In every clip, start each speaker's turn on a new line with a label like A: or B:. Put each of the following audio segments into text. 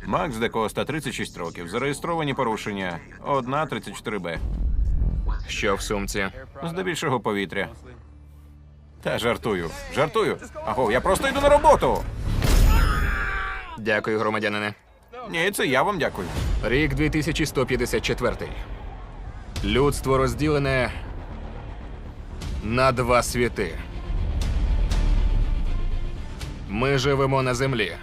A: Макс де Коста, 36 років. Зареєстровані порушення. 1.34Б.
B: Що в сумці?
A: Здебільшого повітря. Та жартую. Жартую. Аго, я просто йду на роботу.
B: Дякую, громадянине.
A: Ні, це я вам дякую.
B: Рік 2154. Людство розділене на два світи. Ми живемо на землі.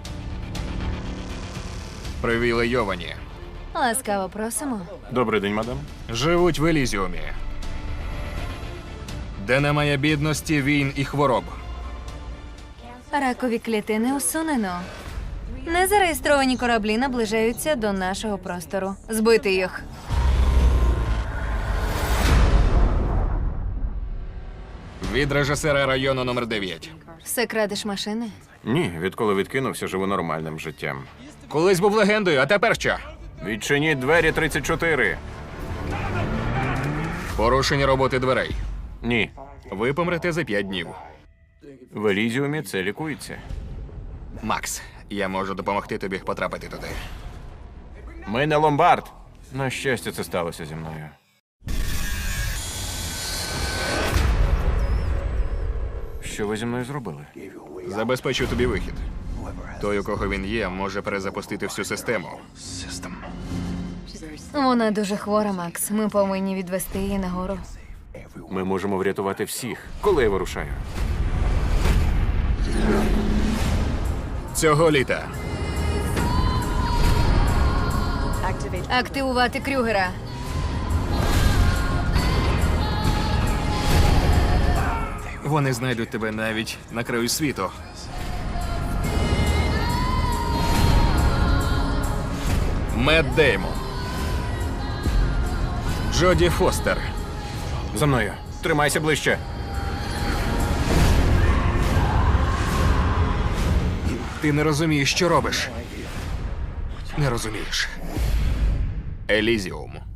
B: Привілейовані.
C: Ласкаво просимо.
A: Добрий день, мадам.
B: Живуть в Елізіумі, де немає бідності, війн і хвороб.
C: Ракові клітини усунено. Незареєстровані кораблі наближаються до нашого простору. Збити їх.
B: Від режисера району номер 9.
C: Все крадеш машини?
A: Ні, відколи відкинувся, живу нормальним життям.
B: Колись був легендою, а тепер що?
A: Відчиніть двері 34.
B: Порушення роботи дверей.
A: Ні.
B: Ви помрете за 5 днів.
A: В Елізіумі це лікується.
B: Макс, я можу допомогти тобі потрапити туди.
A: Ми не ломбард. На щастя, це сталося зі мною. Що ви зі мною зробили?
B: Забезпечу тобі вихід. Той, у кого він є, може перезапустити всю систему.
C: Вона дуже хвора, Макс. Ми повинні відвести її нагору.
A: Ми можемо врятувати всіх. Коли я вирушаю?
B: Цього літа.
C: Активувати Крюгера.
B: Вони знайдуть тебе навіть на краю світу. Мет Деймон. Джоді Фостер.
A: За мною. Тримайся ближче.
B: Ти не розумієш, що робиш. Не розумієш. Елізіум.